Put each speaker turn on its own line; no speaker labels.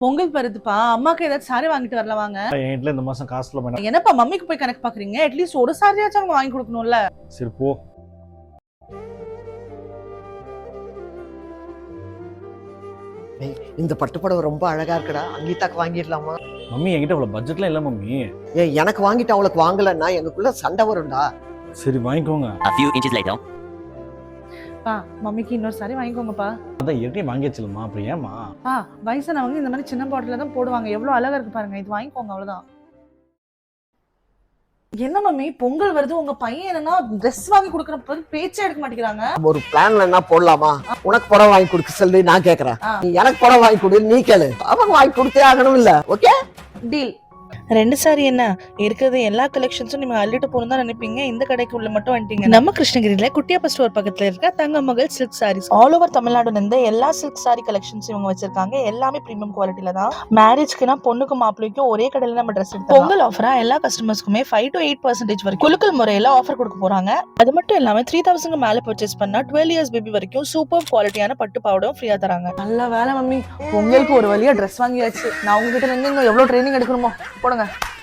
பொங்கல் வருதுப்பா, அம்மாக்கு ஏதாச்சும் சாரி வாங்கிட்டு வரல வாங்க.
என் வீட்ல இந்த மாசம் காசு இல்ல மேடம்.
என்னப்பா மம்மிக்கு போய் கணக்கு பாக்குறீங்க? அட்லீஸ்ட் ஒரு சாரியாச்சும் அவங்க வாங்கி கொடுக்கணும்ல.
சரி போ.
இந்த பட்டுப்படவை ரொம்ப அழகா இருக்குடா, அங்கீதாக்கு வாங்கிடலாமா?
மம்மி என்கிட்ட அவ்வளவு பட்ஜெட்லாம் இல்ல மம்மி.
எனக்கு வாங்கிட்டு அவளுக்கு வாங்கலன்னா எங்களுக்குள்ள சண்டை வரும்டா.
சரி வாங்கிக்கோங்க.
A few inches later.
பா மம்மிக்கு இன்னொரு சாரி வாங்கிக்கோங்கப்பா.
அதான் ஏற்கனவே வாங்கியாச்சுலம்மா, அப்புறம் ஏமா?
வயசானவங்க இந்த மாதிரி சின்ன பாட்டில தான் போடுவாங்க. எவ்வளவு அழகா இருக்கு பாருங்க. இது வாங்கிக்கோங்க அவ்வளவுதான். என்ன மம்மி பொங்கல் வருது, உங்க பையன் என்னன்னா ட்ரெஸ் வாங்கி கொடுக்கற பேச்சே எடுக்க மாட்டேங்கிறாங்க.
ஒரு பிளான்ல என்ன போடலாமா? உனக்கு புடவை வாங்கி கொடுக்க சொல்லி நான் கேக்குறேன்.
ஆ.
நீ எனக்கு புடவை வாங்கி கொடு, நீ கேளு. அவங்க வாங்கி கொடுத்தே ஆகணும் இல்ல? Okay
deal.
ரெண்டு சாரி என்ன இருக்கிறது எல்லா கலெக்ஷன்ஸும் நீங்க அள்ளிட்டு போகணும் தான் நினைப்பீங்க. இந்த கடைக்கு உள்ள மட்டும் வந்துட்டீங்க. நம்ம கிருஷ்ணகிரியில குட்டியாப்பா ஸ்டோர் பக்கத்துல இருக்க Thangamagal silk sarees all over தமிழ்நாடுல இருந்து எல்லா சில்க் சாரி கலெக்ஷன்ஸ் இவங்க வச்சிருக்காங்க. எல்லாமே பிரீமியம் குவாலிட்டில தான். மேரேஜ்க்குனா பொண்ணுக்கும் மாப்பிள்ளைக்கும் ஒரே கடையில நம்ம ட்ரெஸ் எடுத்தோம். பொங்கல் ஆஃபரா எல்லா கஸ்டமர்ஸ்க்குமே 5 to 8% வரைக்கும் குலுக்கல் முறையில ஆஃபர் கொடுக்க போறாங்க. அது மட்டும் இல்லாம 3000 மேல பர்ச்சேஸ் பண்ணா 12 years பேபி வரைக்கும் சூப்பர் குவாலிட்டியான பட்டு பாவாடையும் ஃப்ரீயா தராங்க.
நல்ல வேலை மம்மி, பொங்கலுக்கு ஒரு வழியா ட்ரெஸ் வாங்கியாச்சு. நான் உங்ககிட்ட இருந்து இன்னும் எவ்வளவு ட்ரைனிங் எடுக்கணுமோ போடுங்க.